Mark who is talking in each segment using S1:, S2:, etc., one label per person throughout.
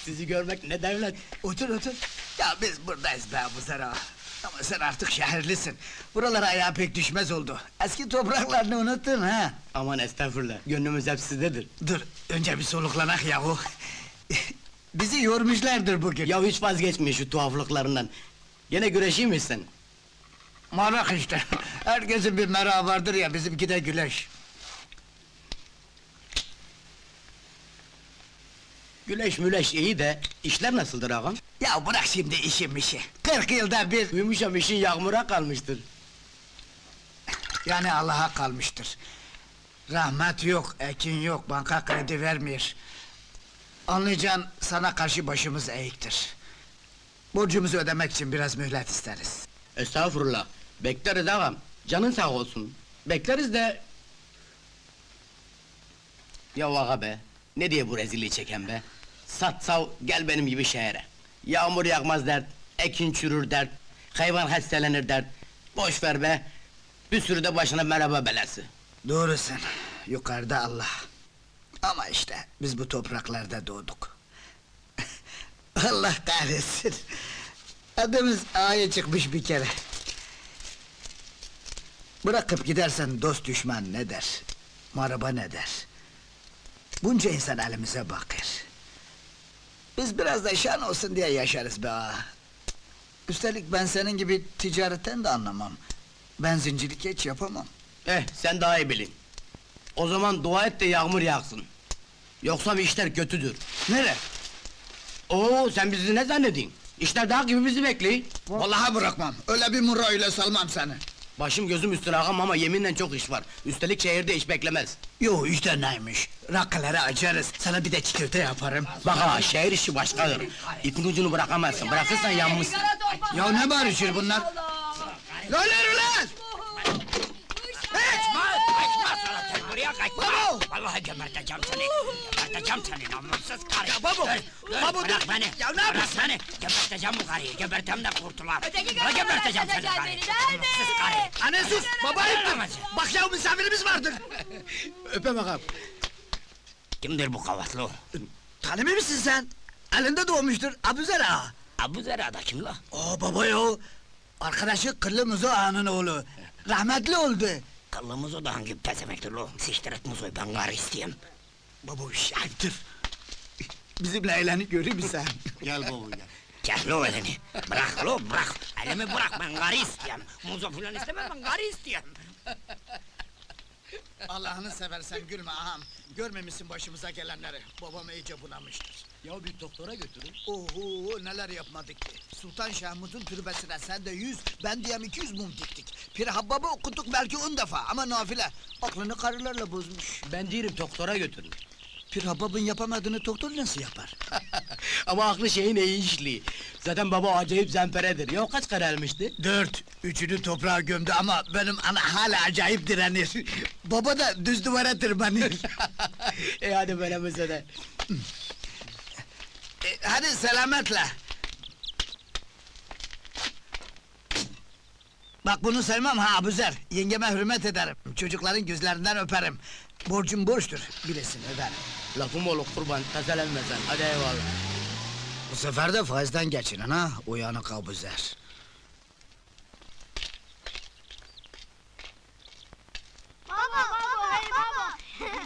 S1: Sizi görmek ne devlet.
S2: Otur otur. Ya biz buradayız be Abuzer ağa. Ama sen artık şehirlisin. Buralara ayağa pek düşmez oldu. Eski topraklarını unuttun ha.
S1: Aman estağfurullah, gönlümüz hep sizdedir.
S2: Dur, önce bir soluklanak yahu. Bizi yormuşlardır bugün.
S1: Ya hiç vazgeçme şu tuhaflıklarından. Gene güreşeyim mi sen?
S2: Marak işte. Herkesin bir merakı vardır ya, bizimki de güleş.
S1: Güleş müleş iyi de, işler nasıldır ağam?
S2: Ya bırak şimdi işim işi. 40 yılda bir,
S1: Duymuşam işin yağmura kalmıştır.
S2: yani Allah'a kalmıştır. Rahmet yok, ekin yok, banka kredi vermiyor. Anlayacağın, sana karşı başımız eğiktir. Borcumuzu ödemek için biraz mühlet isteriz.
S1: Estağfurullah, bekleriz ağam. Canın sağ olsun. Bekleriz de... Ya ağa be, ne diye bu rezilliği çeken be? Sat sav, gel benim gibi şehre. Yağmur yağmaz dert, ekin çürür dert, hayvan hastalanır dert. Boş ver be, bir sürü de başına merhaba belası.
S2: Doğrusun, yukarıda Allah. Ama işte, biz bu topraklarda doğduk. Allah kahretsin! Adımız A'ya çıkmış bir kere. Bırakıp gidersen dost düşman ne der? Maraba ne der? Bunca insan elimize bakır. Biz biraz da şan olsun diye yaşarız be ağa. Üstelik ben senin gibi ticaretten de anlamam. Benzincilik hiç yapamam.
S1: Sen daha iyi bilin. O zaman dua et de yağmur yağsın. Yoksa bir işler kötüdür.
S2: Nere?
S1: Oo, sen bizi ne zannedin? İşler dağ gibi bizi bekliyor.
S2: Vallahi bırakmam, öyle bir murra ile salmam seni.
S1: Başım gözüm üstüne ağam ama yeminle çok iş var. Üstelik şehirde iş beklemez.
S2: Yo işte neymiş, rakıları açarız, sana bir de çikolata yaparım.
S1: Bak ha, şehir işi başkadır. İpin ucunu bırakamazsın, bırakırsan yanmışsın.
S2: Ya ne bağırışır bunlar? Lan ulan!
S3: Buraya kaçma!
S2: Babo!
S3: Vallahi geberteceğim seni! Geberteceğim seni namussuz karı!
S2: Ya babo! Babo
S3: Bırak
S2: dur!
S3: beni!
S2: Ya ne
S3: Bırak
S2: yapıyorsun?
S3: beni! Geberteceğim bu karıyı! Gebertem de kurtular!
S4: Öteki
S3: Ulan
S4: karı
S3: geberteceğim seni
S4: gebertecek
S3: karı!
S4: beni, nerede?
S3: Namussuz karı!
S2: Anne sus! Baba ayıptır!
S3: Yaramaz.
S2: Bak ya misafirimiz vardır!
S1: Öpem ağam.
S3: Kimdir bu kavatlı?
S2: Tanımıyor musun sen? Elinde doğmuştur, Abuzer ağa!
S3: Abu Zera'da kim la?
S2: Oo baba yo! Arkadaşı Kırlı Muzo ağanın oğlu! Rahmetli oldu!
S3: Kallımız o da hangi pezemektir lo? Siktir et muzoy, ben karı isteyeyim!
S2: Baba iş ayıptır! Bizimle eğlenip görür müsün?
S1: Gel baba gel.
S3: Kes lo elini! Bırak lo, bırak! Elimi bırak, ben karı isteyeyim! Muzo filan istemem, ben karı isteyeyim!
S2: Allah'ını seversen gülme ağam! Görmemişsin başımıza gelenleri! Babam iyice bunamıştır!
S1: Ya bir doktora götürün.
S2: Oho neler yapmadık ki! Sultan Şahmut'un türbesine sen de 100, ben diyem 200 mum diktik! Pir Habbab'ı okuttuk belki 10 defa ama nafile! Aklını karılarla bozmuş!
S1: Ben diyorum doktora götürün.
S2: Pir Habbab'ın yapamadığını doktor nasıl yapar?
S1: Ama aklı şeyin iyi işliği. Zaten baba acayip zemperedir. Ya kaç kere elmişti?
S2: 4, üçünü toprağa gömdü ama benim ana hala acayip direnir! Baba da düz duvara tırmanır!
S1: Hadi böyle mesele.
S2: Hadi selametle! Bak bunu sevmem ha Abuzer, yengeme hürmet ederim, çocukların gözlerinden öperim. Borcum borçtur, bilesin öderim.
S1: Lafım olur kurban, tazelenme sen. Hadi eyvallah.
S2: Bu sefer de faizden geçinin ha, uyanık Abuzer.
S4: Baba!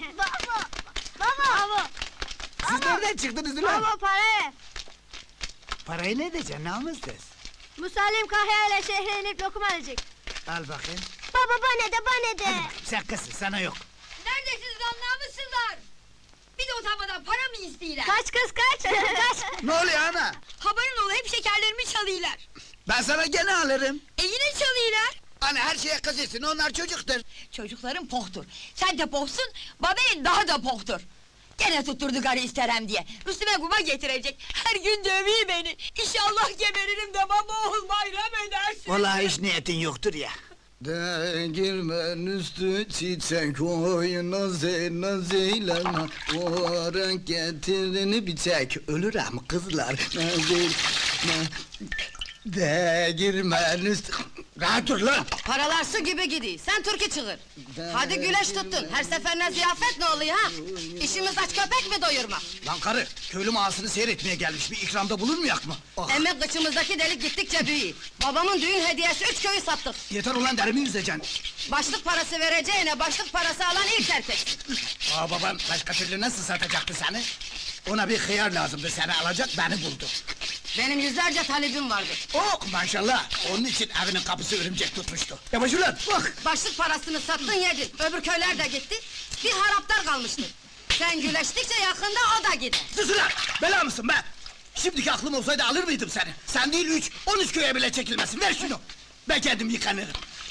S4: Baba!
S2: Siz nereden çıktınız ulan?
S4: Baba para ver!
S2: Parayı ne edeceksin, namussuz?
S4: Musallim Kahya ile şehre inip lokum alacak.
S2: Al bakayım.
S4: Baba bana de!
S2: Sen kızsın, sana yok.
S5: Neredesiniz lan namussuzlar? Bir de utanmadan para mı istiyorlar?
S4: Kaç kız kaç! Kaç!
S2: Ne oluyor ana?
S5: Haberin ol hep şekerlerimi çalıyorlar.
S2: Ben sana gene alırım.
S5: Yine çalıyorlar.
S2: Hani her şeye kızıyorsun, onlar çocuktur.
S5: Çocukların pohtur. Sen de pohsun, babayın daha da pohtur. Gene tutturdu karı isterem diye. Üstüme kuma getirecek. Her gün dövüyor beni. İnşallah geberirim de baba oğul bayram edersin.
S2: Vallahi hiç niyetin yoktur ya. Değirmen üstü çiçek oy nazeyla zeylana o renk getirini bir çek ölürüm kızlar Değirmen üstü Rahat dur lan!
S6: Paralar su gibi gidiyor, sen türkü çığır. Hadi güleş tuttun, her seferine ziyafet ne oluyor ha? İşimiz aç köpek mi doyurmak?
S2: Lan karı, köylü mağasını seyretmeye gelmiş, bir ikramda bulunmayak mı? Ah,
S6: Emek kıçımızdaki delik gittikçe büyüyor. Babamın düğün hediyesi 3 köyü sattık.
S2: yeter ulan derimi yüzeceksin!
S6: Başlık parası vereceğine başlık parası alan ilk erkek.
S2: Aa baban başka türlü nasıl satacaktı seni? Ona bir hıyar lazımdı, seni alacak, beni buldu.
S6: Benim yüzlerce talebim vardı.
S2: Oh maşallah, onun için evinin kapısı örümcek tutmuştu. Yavaş ulan, bak!
S6: Başlık parasını sattın yedin, öbür köyler de gitti. Bir haraptar kalmıştı. Sen güleştikçe yakında o da gider.
S2: Sus ulan! Bela mısın be? Şimdiki aklım olsaydı alır mıydım seni? Sen değil 13 köye bile çekilmesin, ver şunu! Ben kendim yıkanırım.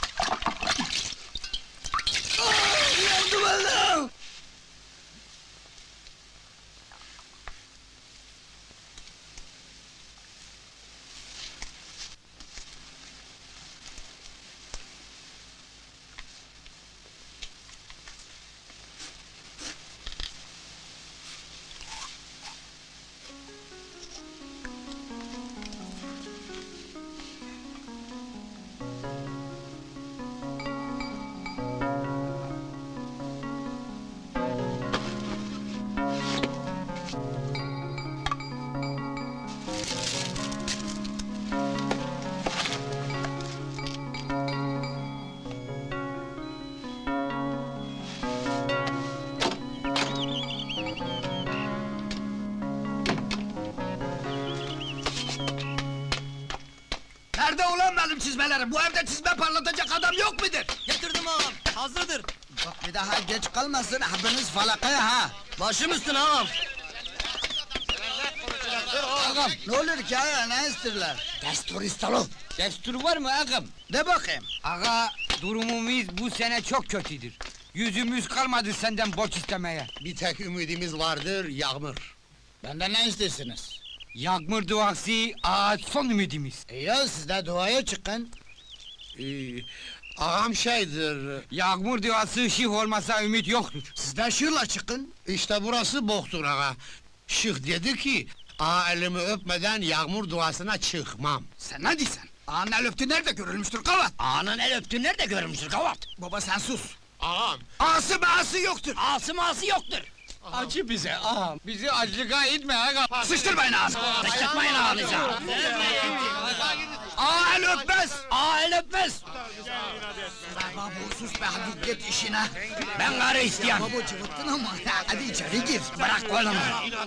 S2: Ah, yandım Allah'ım! Nerede ulan benim çizmelerim? Bu evde çizme parlatacak adam yok mudur?
S1: Getirdim ağam, hazırdır.
S2: Bak bir daha geç kalmasın, hapınız falakaya ha!
S1: Başım üstüne ağam.
S2: Ağam, ne olur ki ha, ne isterler?
S3: Destur istalo.
S7: Destur var mı ağam?
S2: De bakayım.
S7: Ağa, durumumuz bu sene çok kötüdür. Yüzümüz kalmadı senden borç istemeye.
S3: Bir tek ümidimiz vardır, yağmur.
S2: Benden ne istersiniz?
S7: Yağmur duası, ağa son ümidimiz.
S2: Ya siz de duaya çıkın.
S3: Ağam şeydir,
S7: Yağmur duası şih olmasa ümit yoktur.
S2: Siz de şırla çıkın.
S3: işte burası boktur ağa. Şık dedi ki, ağa elimi öpmeden yağmur duasına çıkmam.
S2: Sen ne diyorsun? Ağanın el öptüğü nerede görülmüştür kavat?
S1: Ağanın el öptüğü nerede görmüştür kavat?
S2: Baba sen sus.
S3: Ağam,
S2: Ağası bağısı yoktur.
S1: Ağası mağası yoktur.
S7: Acı bize ağam. Bizi acılığa itme ağam.
S2: Sıçtırmayın ağanı.
S1: Sıçratmayın ağanıza.
S2: Ağa el öpmez.
S1: Ağa el öpmez.
S2: Baba sus be hadi git işine.
S1: Ben karı isteyen.
S2: Baba cıvıttın ama hadi içeri gir.
S1: Bırak kolumu.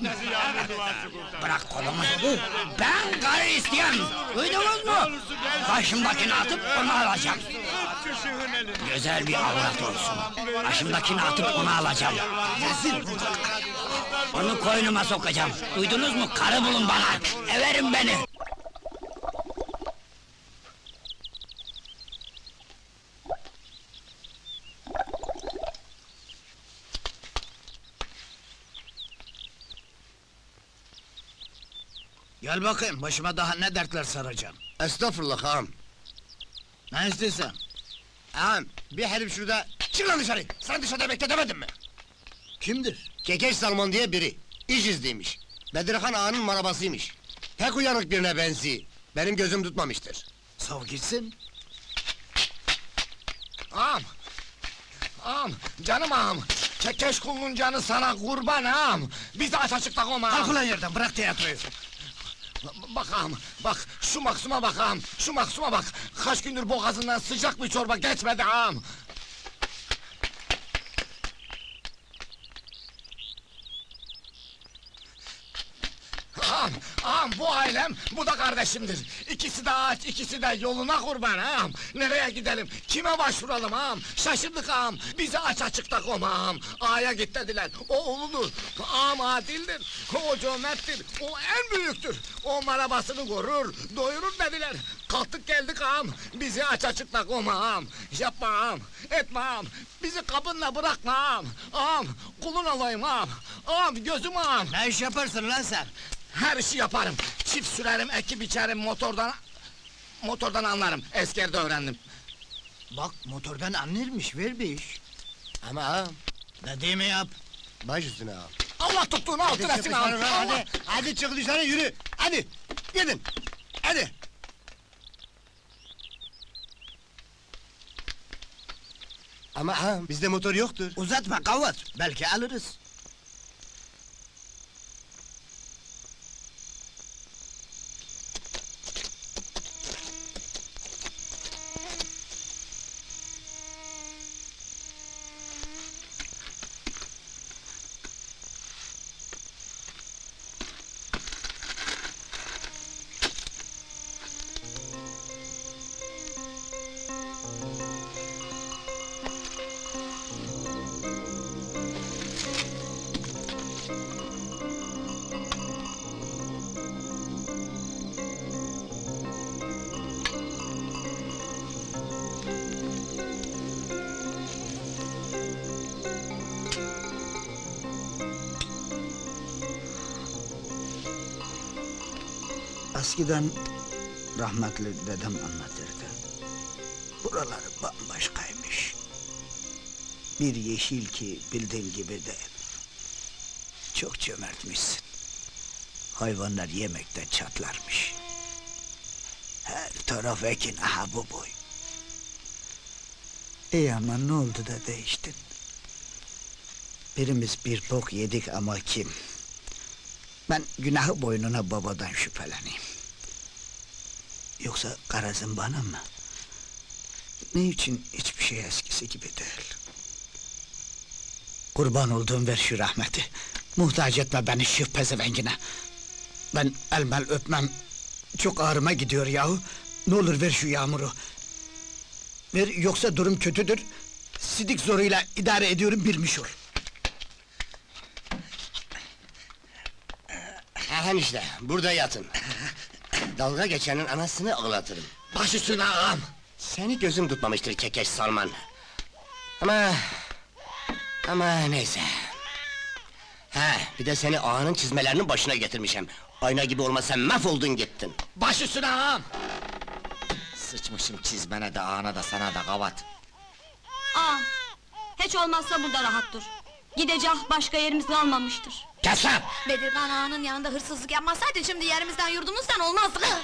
S1: Bırak kolumu. Ben karı isteyen. Duydunuz mu? Başımdakini atıp onu alacağım. Güzel bir avrat olsun. Başımdakini atıp onu alacağım.
S2: Rezil bu.
S1: Onu koynuma sokacağım. Duydunuz mu? Karı bulun bana. Everin beni.
S2: Gel bakayım başıma daha ne dertler saracağım.
S3: estağfurullah ağam.
S2: Ne istiyorsun?
S3: Ağam, bir herif şurada, çık lan dışarı! Sen dışarıda bekle demedim mi?
S2: Kimdir?
S3: Kekeş Salman diye biri, iş izniymiş. Bedirhan ağanın marabasıymış. Pek uyanık birine benziyor. Benim gözüm tutmamıştır.
S2: Sav gitsin.
S3: Ağam! Ağam, canım ağam! Kekeş kulunun canı sana kurban ağam! Biz de aç açıkta koma
S2: Kalk
S3: ağam!
S2: ulan yerden bırak tiyatroyu.
S3: Bak ağam, bak! Şu maksuma bak ağam! Şu maksuma bak! Kaç gündür boğazından sıcak bir çorba geçmedi ağam! Ağam, ağam bu ailem, bu da kardeşimdir. İkisi de ağaç, ikisi de yoluna kurban ağam. Nereye gidelim, kime başvuralım ağam? Şaşırdık ağam, bizi aç açıkta koma ağam. Ağaya git dediler, o uludur. Ağam adildir, o cömerttir, o en büyüktür. O marabasını korur, doyurur dediler. Kalktık geldik ağam, bizi aç açıkta koma ağam. Yapma ağam, etme ağam, bizi kapınla bırakma ağam. Ağam, kulun olayım ağam. Ağam, gözüm ağam.
S2: Ne iş yaparsın lan sen?
S3: Her işi yaparım. Çift sürerim, ekip biçerim, motordan anlarım. Eskerde öğrendim.
S2: Bak motordan anlarmış ver bir iş.
S3: Ama ağam,
S2: Dediğimi yap.
S3: baş üstüne ağam. Allah tuttuğunu altın etsin ağam. Allah!
S2: Hadi çık dışarı yürü.
S3: Hadi, gidin. Hadi.
S8: Ama ağam bizde motor yoktur.
S2: Uzatma kavat, belki alırız. Eskiden rahmetli dedem anlatırdı. Buraları bambaşkaymış. Bir yeşil ki bildiğin gibi değil. Çok cömertmişsin. Hayvanlar yemekten çatlarmış. Her taraf ekin, aha bu boy. İyi ama ne oldu da değiştin? Birimiz bir bok yedik ama kim? Ben günahı boynuna babadan şüpheleneyim. Yoksa garazın bana mı? Ne için hiçbir şey eskisi gibi değil? Kurban olduğum ver şu rahmeti. Muhtaç etme beni şu pezevengine. Ben elmel öpmem. Çok ağrıma gidiyor yahu. Ne olur ver şu yağmuru. Ver yoksa durum kötüdür. Sidik zoruyla idare ediyorum bilmiş ol.
S8: Aha işte burada yatın. Dalga geçenin anasını ağlatırım.
S3: Baş üstüne ağam.
S8: Seni gözüm tutmamıştır kekeş Salman. Ama neyse. Ha, bir de seni ağanın çizmelerinin başına getirmişim. Ayna gibi olmasa mahvoldun gittin.
S3: Baş üstüne ağam. Sıçmışım çizmene de ağana da sana da kavat.
S4: Aa, hiç olmazsa burada rahat dur. Gidecek başka yerimiz kalmamıştır.
S3: Kes lan!
S6: Bedirgan ağanın yanında hırsızlık yapmasaydın şimdi yerimizden yurdumuzdan olmazdık.